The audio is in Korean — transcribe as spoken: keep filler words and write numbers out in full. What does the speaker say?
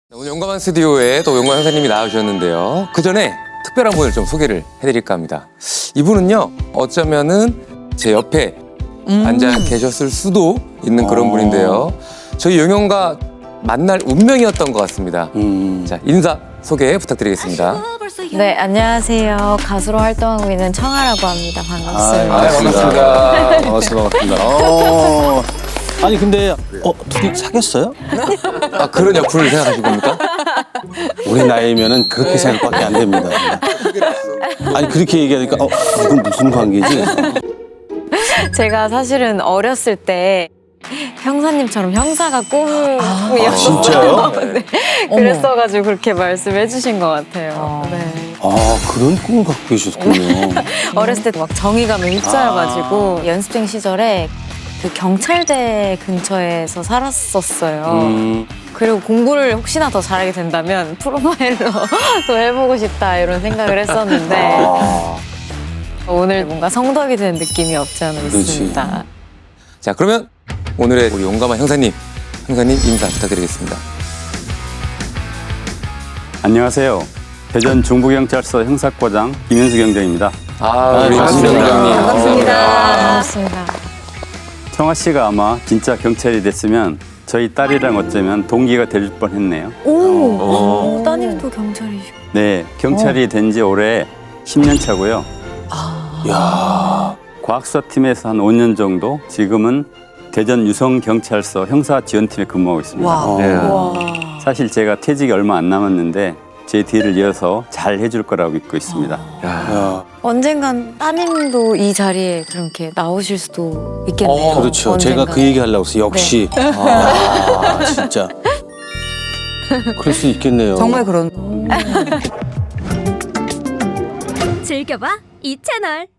오늘 용감한 스튜디오에 또 용감한 형사님이 나와주셨는데요. 그 전에 특별한 분을 좀 소개를 해드릴까 합니다. 이분은요, 어쩌면은 제 옆에 음. 앉아 계셨을 수도 있는 그런 분인데요. 저희 용영과 만날 운명이었던 것 같습니다. 음. 자, 인사 소개 부탁드리겠습니다. 네, 안녕하세요. 가수로 활동하고 있는 청아라고 합니다. 반갑습니다. 아, 반갑습니다. 반갑습니다. 반갑습니다. 어, 아니 근데 어 둘이 사귀었어요? 아, 그런 약분을 생각하신 겁니까? 우리 나이면은 그렇게 생각밖에 안 됩니다. 아니 그렇게 얘기하니까 어 이건 무슨 관계지? 제가 사실은 어렸을 때 형사님처럼 형사가 꿈이었어요. 진짜요? 네. 그랬어가지고 그렇게 말씀해 주신 것 같아요. 네. 아 그런 꿈을 갖고 계셨군요. 어렸을 때 막 정의감에 휩싸여가지고 연습생 시절에 그 경찰대 근처에서 살았었어요. 음. 그리고 공부를 혹시나 더 잘하게 된다면 프로파일러도 해보고 싶다 이런 생각을 했었는데 아, 오늘 뭔가 성덕이 된 느낌이 없지 않아 그렇지. 있습니다. 자, 그러면 오늘의 우리 용감한 형사님, 형사님 인사 부탁드리겠습니다. 안녕하세요. 대전 중부경찰서 형사과장 김현수 경장입니다. 아, 우리 반갑습니다. 경장님. 반갑습니다. 청아 씨가 아마 진짜 경찰이 됐으면 저희 딸이랑 어쩌면 동기가 될 뻔했네요. 오, 오. 오, 따님도 경찰이시고. 네, 경찰이 된 지 올해 십 년 차고요. 야, 과학수사팀에서 한 오 년 정도, 지금은 대전 유성경찰서 형사지원팀에 근무하고 있습니다. 어. 네. 와. 사실 제가 퇴직이 얼마 안 남았는데 제 뒤를 이어서 잘 해줄 거라고 믿고 있습니다. 야. 야, 언젠간 따님도 이 자리에 그렇게 나오실 수도 있겠네요. 어, 그렇죠. 언젠간. 제가 그 얘기 하려고 했어요. 역시. 아, 진짜. 그럴 수 있겠네요. 정말 그런. 즐겨봐 이 채널.